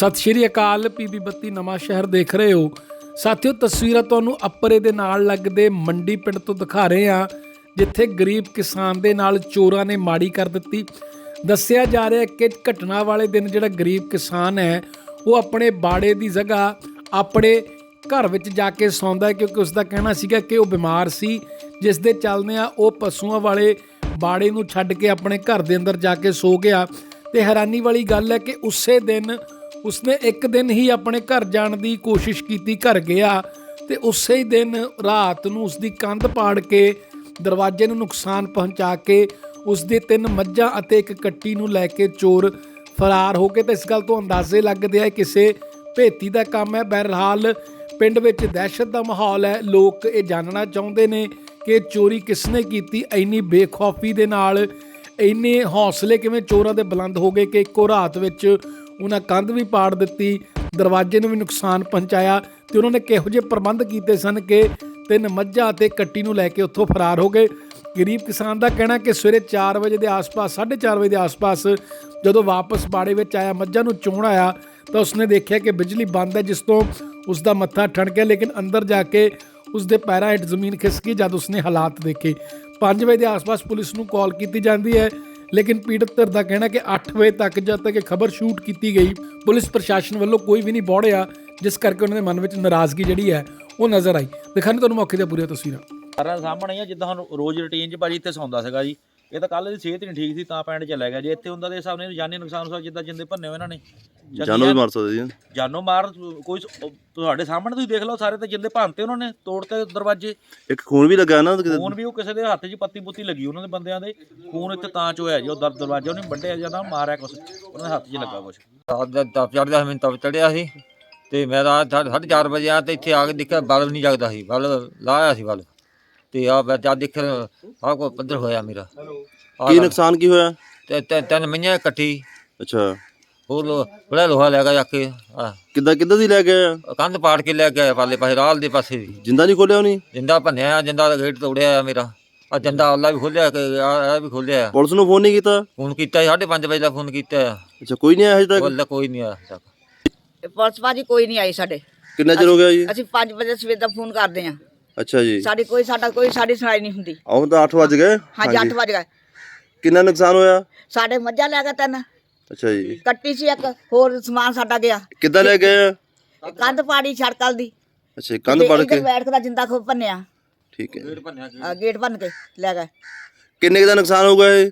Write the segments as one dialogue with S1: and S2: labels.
S1: ਸਤਿ ਸ਼੍ਰੀ ਅਕਾਲ। ਪੀਬੀ 32 ਨਵਾਂ ਸ਼ਹਿਰ ਦੇਖ ਰਹੇ ਹੋ ਸਾਥੀਓ। ਤਸਵੀਰਾਂ ਤੁਹਾਨੂੰ ਅੱਪਰੇ ਦੇ ਨਾਲ ਲੱਗਦੇ ਮੰਡੀ ਪਿੰਡ ਤੋਂ ਦਿਖਾ ਰਹੇ ਹਾਂ, ਜਿੱਥੇ ਗਰੀਬ ਕਿਸਾਨ ਦੇ ਨਾਲ ਚੋਰਾਂ ਨੇ ਮਾੜੀ ਕਰ ਦਿੱਤੀ। ਦੱਸਿਆ ਜਾ ਰਿਹਾ ਕਿ ਘਟਨਾ ਵਾਲੇ ਦਿਨ ਜਿਹੜਾ ਗਰੀਬ ਕਿਸਾਨ ਹੈ ਉਹ ਆਪਣੇ ਬਾੜੇ ਦੀ ਜਗ੍ਹਾ ਆਪਣੇ ਘਰ ਵਿੱਚ ਜਾ ਕੇ ਸੌਂਦਾ ਹੈ, ਕਿਉਂਕਿ ਉਸ ਦਾ ਕਹਿਣਾ ਸੀਗਾ ਕਿ ਉਹ ਬਿਮਾਰ ਸੀ, ਜਿਸ ਦੇ ਚੱਲਦਿਆਂ ਉਹ ਪਸ਼ੂਆਂ ਵਾਲੇ ਬਾੜੇ ਨੂੰ ਛੱਡ ਕੇ ਆਪਣੇ ਘਰ ਦੇ ਅੰਦਰ ਜਾ ਕੇ ਸੋ ਗਿਆ। ਤੇ ਹੈਰਾਨੀ ਵਾਲੀ ਗੱਲ ਹੈ ਕਿ ਉਸੇ ਦਿਨ ਉਸਨੇ ਇੱਕ ਦਿਨ ਹੀ ਆਪਣੇ ਘਰ ਜਾਣ ਦੀ ਕੋਸ਼ਿਸ਼ ਕੀਤੀ, ਘਰ ਗਿਆ ਤੇ ਉਸੇ ਹੀ ਦਿਨ ਰਾਤ ਨੂੰ ਉਸਦੀ ਕੰਧ ਪਾੜ ਕੇ ਦਰਵਾਜ਼ੇ ਨੂੰ ਨੁਕਸਾਨ ਪਹੁੰਚਾ ਕੇ ਉਸਦੇ 3 ਮੱਝਾਂ ਅਤੇ 1 ਕੱਟੀ ਨੂੰ ਲੈ ਕੇ ਚੋਰ ਫਰਾਰ ਹੋ ਗਏ। ਤੇ ਇਸ ਗੱਲ ਤੋਂ ਅੰਦਾਜ਼ੇ ਲੱਗਦੇ ਆ ਕਿਸੇ ਭੇਤੀ ਦਾ ਕੰਮ ਹੈ। ਬਹਰਹਾਲ ਪਿੰਡ ਵਿੱਚ ਦਹਿਸ਼ਤ ਦਾ ਮਾਹੌਲ ਹੈ। ਲੋਕ ਇਹ ਜਾਣਨਾ ਚਾਹੁੰਦੇ ਨੇ ਕਿ ਚੋਰੀ ਕਿਸਨੇ ਕੀਤੀ। ਇੰਨੀ ਬੇਖੌਫੀ ਦੇ ਨਾਲ ਇੰਨੇ ਹੌਸਲੇ ਕਿਵੇਂ ਚੋਰਾਂ ਦੇ ਬੁਲੰਦ ਹੋ ਗਏ ਕਿ ਇੱਕੋ ਰਾਤ ਵਿੱਚ ਉਹਨਾਂ ਕੰਧ ਵੀ ਪਾੜ ਦਿੱਤੀ, ਦਰਵਾਜ਼ੇ ਨੂੰ ਵੀ ਨੁਕਸਾਨ ਪਹੁੰਚਾਇਆ। ਤੇ ਉਹਨਾਂ ਨੇ ਕਿਹੋ ਜਿਹੇ ਪ੍ਰਬੰਧ ਕੀਤੇ ਸਨ ਕਿ 3 ਮੱਝਾਂ ਅਤੇ ਕੱਟੀ ਨੂੰ ਲੈ ਕੇ ਉੱਥੋਂ ਫਰਾਰ ਹੋ ਗਏ। ਗਰੀਬ ਕਿਸਾਨ ਦਾ ਕਹਿਣਾ ਕਿ ਸਵੇਰੇ 4 ਵਜੇ ਦੇ ਆਸ-ਪਾਸ 4:30 ਵਜੇ ਦੇ ਆਸ-ਪਾਸ ਜਦੋਂ ਵਾਪਸ ਬਾੜੇ ਵਿੱਚ ਆਇਆ, ਮੱਝਾਂ ਨੂੰ ਚੋਣ ਆਇਆ ਤਾਂ ਉਸਨੇ ਦੇਖਿਆ ਕਿ ਬਿਜਲੀ ਬੰਦ ਹੈ, ਜਿਸ ਤੋਂ ਉਸਦਾ ਮੱਥਾ ਠਣਕਿਆ। ਲੇਕਿਨ ਅੰਦਰ ਜਾ ਕੇ ਉਸਦੇ ਪੈਰਾਂ ਹੇਠ ਜ਼ਮੀਨ ਖਿਸਕੀ ਜਦ ਉਸਨੇ ਹਾਲਾਤ ਦੇਖੇ। 5 ਵਜੇ ਦੇ ਆਸ-ਪਾਸ ਪੁਲਿਸ ਨੂੰ ਕਾਲ ਕੀਤੀ ਜਾਂਦੀ ਹੈ, ਲੇਕਿਨ ਪੀੜਤ ਧਿਰ ਦਾ ਕਹਿਣਾ ਕਿ 8 ਵਜੇ ਤੱਕ ਜਦ ਤੱਕ ਇਹ ਖਬਰ ਸ਼ੂਟ ਕੀਤੀ ਗਈ, ਪੁਲਿਸ ਪ੍ਰਸ਼ਾਸਨ ਵੱਲੋਂ ਕੋਈ ਵੀ ਨਹੀਂ ਬੋੜਿਆ, ਜਿਸ ਕਰਕੇ ਉਹਨਾਂ ਦੇ ਮਨ ਵਿੱਚ ਨਾਰਾਜ਼ਗੀ ਜਿਹੜੀ ਹੈ ਉਹ ਨਜ਼ਰ ਆਈ। ਦਿਖਾਣੇ ਤੁਹਾਨੂੰ ਮੌਕੇ ਦੀਆਂ ਪੂਰੀਆਂ ਤਸਵੀਰਾਂ
S2: ਸਾਰਾ ਸਾਹਮਣੇ ਆ। ਜਿੱਦਾਂ ਹੁਣ ਰੋਜ਼ ਰੂਟੀਨ 'ਚ ਭਾਜੀ ਇੱਥੇ ਸੌਂਦਾ ਸੀਗਾ ਜੀ। ਇਹ ਤਾਂ ਕੱਲ੍ਹ ਦੀ ਸਿਹਤ ਨਹੀਂ ਠੀਕ ਸੀ ਤਾਂ ਪਿੰਡ ਚਲਾ ਗਿਆ। ਜੇ ਇੱਥੇ ਹੁੰਦਾ ਦੇ ਹਿਸਾਬ ਨਾਲ ਜਾਨੀ ਨੁਕਸਾਨ ਹੋ, ਜਿੱਦਾਂ ਜਿੰਦੇ ਭੰਨੇ ਹੋ ਇਹਨਾਂ ਨੇ,
S3: ਜਾਨੋਂ ਵੀ ਮਾਰ ਸਕਦੇ ਜੀ।
S2: ਜਾਨੋਂ ਮਾਰ ਕੋਈ ਤੁਹਾਡੇ ਸਾਹਮਣੇ ਤੁਸੀਂ ਦੇਖ ਲਓ, ਸਾਰੇ ਤਾਂ ਜਿੰਦੇ ਭੰਨਤੇ ਉਹਨਾਂ ਨੇ, ਤੋੜਤੇ ਦਰਵਾਜ਼ੇ।
S3: ਇੱਕ ਖੂਨ ਵੀ ਲੱਗਾ ਨਾ,
S2: ਖੂਨ ਵੀ ਉਹ ਕਿਸੇ ਦੇ ਹੱਥ 'ਚ ਪੱਤੀ ਪੁੱਤੀ ਲੱਗੀ ਉਹਨਾਂ ਦੇ ਬੰਦਿਆਂ ਦੇ। ਖੂਨ ਇੱਥੇ ਤਾਂ 'ਚ ਹੋਇਆ ਜੀ, ਉਹ ਦਰਵਾਜ਼ੇ ਉਹਨੇ ਵੱਢਿਆ ਜਾਂਦਾ, ਮਾਰਿਆ ਕੁਛ ਉਹਨਾਂ ਦੇ ਹੱਥ 'ਚ ਲੱਗਾ ਕੁਛ।
S4: ਤਪ ਚੜ੍ਹਦਾ, ਮੈਨੂੰ ਤਪ ਚੜ੍ਹਿਆ ਸੀ ਤੇ ਮੈਂ ਰਾਤ 4:30 ਵਜੇ ਆ ਤੇ ਇੱਥੇ ਆ ਕੇ ਦੇਖਿਆ ਬਲਬ ਨਹੀਂ ਜਗਦਾ ਸੀ, ਬਲਬ ਲਾਇਆ ਸੀ ਬਲਬ। ਤੇ ਆ ਮੈਂ ਜਦ ਦੇਖਿਆ ਆਹ ਕੋਈ ਪੱਧਰ ਹੋਇਆ ਮੇਰਾ।
S3: ਕੀ ਨੁਕਸਾਨ ਕੀ ਹੋਇਆ?
S4: ਤੇ 3 ਮਈਆਂ ਕੱਟੀ।
S3: ਅੱਛਾ,
S4: ਹੋਰ ਬੜਾ ਲੋਹਾ ਲੈ ਗਿਆ ਜਾ ਕੇ।
S3: ਕਿੱਦਾਂ ਦੀ ਲੈ ਗਏ?
S4: ਕੰਧ ਪਾੜ ਕੇ ਲੈ ਗਿਆ ਪਾਲੇ ਪਾਸੇ, ਰਾਲ ਦੇ ਪਾਸੇ ਵੀ।
S3: ਜਿੰਦਾ ਨਹੀਂ ਖੋਲਿਆ ਉਹਨੇ?
S4: ਜਿੰਦਾ ਭੰਨਿਆ, ਜਿੰਦਾ ਦਾ ਗੇਟ ਤੋੜਿਆ ਆ ਮੇਰਾ। ਆ ਜਿੰਦਾ ਆਲਾ ਵੀ ਖੋਲਿਆ, ਆ ਵੀ ਖੋਲਿਆ।
S3: ਪੁਲਿਸ ਨੂੰ ਫੋਨ ਨਹੀਂ ਕੀਤਾ?
S4: ਫੋਨ ਕੀਤਾ 5:30 ਵਜੇ ਦਾ ਫੋਨ ਕੀਤਾ ਆ।
S3: ਅੱਛਾ, ਕੋਈ ਨਹੀਂ ਆਇਆ ਹਜੇ ਤੱਕ?
S4: ਕੋਈ ਨਹੀਂ ਆਇਆ ਹਜੇ ਤੱਕ।
S5: ਪੁਲਿਸ ਭਾਜੀ ਕੋਈ ਨਹੀਂ ਆਈ ਸਾਡੇ।
S3: ਕਿੰਨਾ ਚਿਰ ਹੋ ਗਿਆ ਜੀ?
S5: ਅਸੀਂ 5 ਵਜੇ ਸਵੇਰ ਦਾ ਫੋਨ ਕਰਦੇ ਆਂ।
S3: ਅੱਛਾ ਜੀ।
S5: ਸਾਡੀ ਸੁਣਾਈ ਨਹੀਂ ਹੁੰਦੀ।
S3: ਆਉਂ ਤਾਂ 8 ਵਜ ਗਏ।
S5: ਹਾਂਜੀ 8 ਵਜ ਗਏ।
S3: ਕਿੰਨਾ ਨੁਕਸਾਨ ਹੋਇਆ?
S5: ਸਾਡੇ ਮੱਝਾਂ ਲੈ ਗਏ 3।
S3: ਅੱਛਾ ਜੀ।
S5: ਕੱਟੀ ਸੀ 1, ਹੋਰ ਸਮਾਨ ਸਾਡਾ ਗਿਆ।
S3: ਕਿੱਦਾਂ ਲੈ ਗਏ?
S5: ਕੰਧ ਪਾੜੀ ਛੜਕਲ ਦੀ।
S3: ਅੱਛਾ, ਕੰਧ ਪੜ ਕੇ
S5: ਬੈਠ ਕੇ ਜਿੰਦਾ ਖੋ ਭੰਨਿਆ।
S3: ਠੀਕ ਹੈ।
S5: ਗੇਟ ਭੰਨ ਕੇ ਲੈ ਗਏ।
S3: ਕਿੰਨੇ ਦਾ ਨੁਕਸਾਨ ਹੋ ਗਿਆ ਇਹ?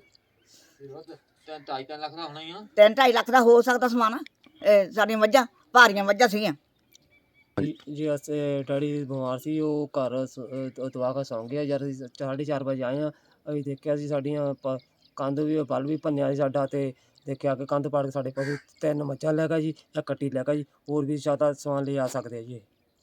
S4: 2.5 ਲੱਖ ਦਾ ਹੋਣਾ ਹੀ ਆ।
S5: 3-2.5 ਲੱਖ ਦਾ ਹੋ ਸਕਦਾ ਸਮਾਨ। ਸਾਡੀਆਂ ਮੱਝਾਂ ਭਾਰੀਆਂ ਮੱਝਾਂ ਸੀਗੀਆਂ
S6: ਜੀ। ਅਸੀਂ ਡੈਡੀ ਬਿਮਾਰ ਸੀ, ਉਹ ਘਰ ਦਵਾ ਕੇ ਸੌਂ ਗਿਆ। ਯਾਰ 4:30 ਵਜੇ ਆਏ ਹਾਂ, ਅਸੀਂ ਦੇਖਿਆ ਸੀ ਸਾਡੀਆਂ ਕੰਧ ਵੀ ਬਲ ਵੀ ਭੰਨਿਆ ਸੀ ਸਾਡਾ। ਤੇ ਦੇਖਿਆ ਕਿ ਕੰਧ ਪਾੜ ਕੇ ਸਾਡੇ ਪਸ਼ੂ 3 ਮੱਝਾਂ ਲੈ ਗਿਆ ਜੀ, ਇੱਕ ਕੱਟੀ ਲੈ ਗਿਆ ਜੀ। ਹੋਰ ਵੀ ਜ਼ਿਆਦਾ ਸਮਾਨ ਲੈ ਆ ਸਕਦੇ ਆ ਜੀ।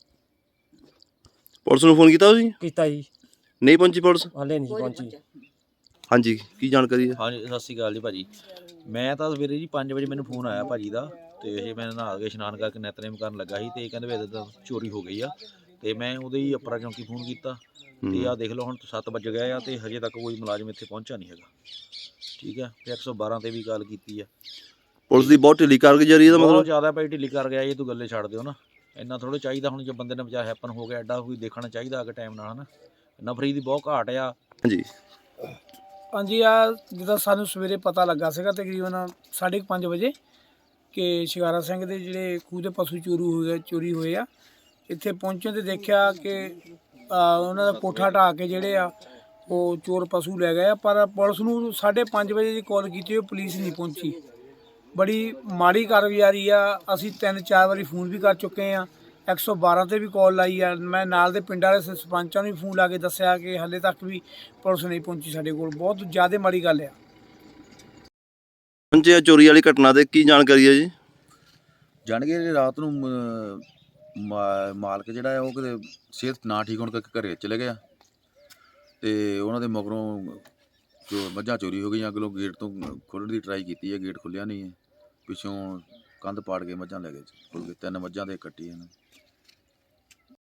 S3: ਪੁਲਿਸ ਨੂੰ ਫੋਨ ਕੀਤਾ ਤੁਸੀਂ?
S6: ਕੀਤਾ ਜੀ,
S3: ਨਹੀਂ ਪਹੁੰਚੀ ਪੁਲਿਸ?
S6: ਹਾਲੇ ਨਹੀਂ ਪਹੁੰਚੀ।
S3: ਹਾਂਜੀ, ਕੀ ਜਾਣਕਾਰੀ ਹੈ?
S2: ਹਾਂਜੀ, ਸਤਿ ਸ਼੍ਰੀ ਅਕਾਲ ਜੀ ਭਾਜੀ। ਮੈਂ ਤਾਂ ਸਵੇਰੇ ਜੀ 5 ਵਜੇ ਮੈਨੂੰ ਫੋਨ ਆਇਆ ਭਾਜੀ ਦਾ। ਤੇ ਇਹ ਮੈਂ ਨਹਾ ਕੇ ਇਸ਼ਨਾਨ ਕਰਕੇ ਨਿਤਨੇਮ ਕਰਨ ਲੱਗਾ ਸੀ, ਤੇ ਇਹ ਕਹਿੰਦੇ ਵੀ ਇੱਦਾਂ ਚੋਰੀ ਹੋ ਗਈ ਆ। ਤੇ ਮੈਂ ਉਹਦੇ ਹੀ ਅਪਰਾ ਚੌਂਕੀ ਫੋਨ ਕੀਤਾ। ਤੇ ਆਹ ਦੇਖ ਲਓ ਹੁਣ 7 ਵੱਜ ਗਏ ਆ ਤੇ ਹਜੇ ਤੱਕ ਕੋਈ ਮੁਲਾਜ਼ਮ ਇੱਥੇ ਪਹੁੰਚਿਆ ਨਹੀਂ ਹੈਗਾ। ਠੀਕ ਹੈ, ਤੇ 112 ਤੇ ਵੀ ਕਾਲ ਕੀਤੀ ਆ। ਪੁਲਿਸ
S3: ਦੀ ਬਹੁਤ ਢਿੱਲੀ ਕਾਰਗੁਜ਼ਾਰੀ ਹੈ,
S2: ਬਹੁਤ ਜ਼ਿਆਦਾ ਭਾਈ ਢਿੱਲੀ ਕਰ ਗਿਆ। ਇਹ ਤੂੰ ਗੱਲੇ ਛੱਡ ਦਿਓ ਨਾ, ਇੰਨਾ ਥੋੜ੍ਹਾ ਚਾਹੀਦਾ। ਹੁਣ ਜੇ ਬੰਦੇ ਨੇ ਵਿਚਾਰ ਹੈਪਨ ਹੋ ਗਿਆ, ਐਡਾ ਕੋਈ ਦੇਖਣਾ ਚਾਹੀਦਾ ਅਗਰ ਟਾਈਮ ਨਾਲ, ਹੈ ਨਾ। ਨਫਰੀ ਦੀ ਬਹੁਤ ਘਾਟ ਆ।
S3: ਹਾਂਜੀ
S1: ਹਾਂਜੀ। ਆ ਜਿੱਦਾਂ ਸਾਨੂੰ ਸਵੇਰੇ ਪਤਾ ਲੱਗਾ ਸੀਗਾ ਤਕਰੀਬਨ 5:30 ਵਜੇ ਕਿ ਸ਼ਿਕਾਰਾ ਸਿੰਘ ਦੇ ਜਿਹੜੇ ਖੂਹ ਦੇ ਪਸ਼ੂ ਚੋਰੀ ਹੋਏ ਆ। ਇੱਥੇ ਪਹੁੰਚਣ ਤੇ ਦੇਖਿਆ ਕਿ ਉਹਨਾਂ ਦਾ ਕੋਠਾ ਢਾਹ ਕੇ ਜਿਹੜੇ ਆ ਉਹ ਚੋਰ ਪਸ਼ੂ ਲੈ ਗਏ ਆ। ਪਰ ਪੁਲਿਸ ਨੂੰ 5:30 ਵਜੇ ਦੀ ਕਾਲ ਕੀਤੀ, ਉਹ ਪੁਲਿਸ ਨਹੀਂ ਪਹੁੰਚੀ। ਬੜੀ ਮਾੜੀ ਕਾਰਗੁਜ਼ਾਰੀ ਆ। ਅਸੀਂ 3-4 ਵਾਰੀ ਫੋਨ ਵੀ ਕਰ ਚੁੱਕੇ ਆ, 112 ਤੇ ਵੀ ਕਾਲ ਲਾਈ ਆ। ਮੈਂ ਨਾਲ ਦੇ ਪਿੰਡ ਵਾਲੇ ਸਰਪੰਚਾਂ ਨੂੰ ਵੀ ਫੋਨ ਲਾ ਕੇ ਦੱਸਿਆ ਕਿ ਹਾਲੇ ਤੱਕ ਵੀ ਪੁਲਿਸ ਨਹੀਂ ਪਹੁੰਚੀ ਸਾਡੇ ਕੋਲ। ਬਹੁਤ ਜ਼ਿਆਦਾ ਮਾੜੀ ਗੱਲ ਆ।
S3: ਪਹੁੰਚਿਆ ਚੋਰੀ ਵਾਲੀ ਘਟਨਾ ਦੇ ਕੀ ਜਾਣਕਾਰੀ ਹੈ ਜੀ?
S7: ਜਾਣ ਕੇ ਰਾਤ ਨੂੰ ਮਾਲਕ ਜਿਹੜਾ ਹੈ ਉਹ ਕਿਤੇ ਸਿਹਤ ਨਾ ਠੀਕ ਹੋਣ ਕਰਕੇ ਘਰੇ ਚਲੇ ਗਿਆ। ਤੇ ਉਹਨਾਂ ਦੇ ਮਗਰੋਂ ਜੋ ਮੱਝਾਂ ਚੋਰੀ ਹੋ ਗਈਆਂ। ਅਗਲੋਂ ਗੇਟ ਤੋਂ ਖੋਲ੍ਹਣ ਦੀ ਟਰਾਈ ਕੀਤੀ ਹੈ, ਗੇਟ ਖੁੱਲ੍ਹਿਆ ਨਹੀਂ ਹੈ। ਪਿੱਛੋਂ ਕੰਧ ਪਾੜ ਕੇ ਮੱਝਾਂ ਲੈ ਗਏ। 3 ਮੱਝਾਂ ਦੇ ਕੱਟੀ ਇਹਨਾਂ।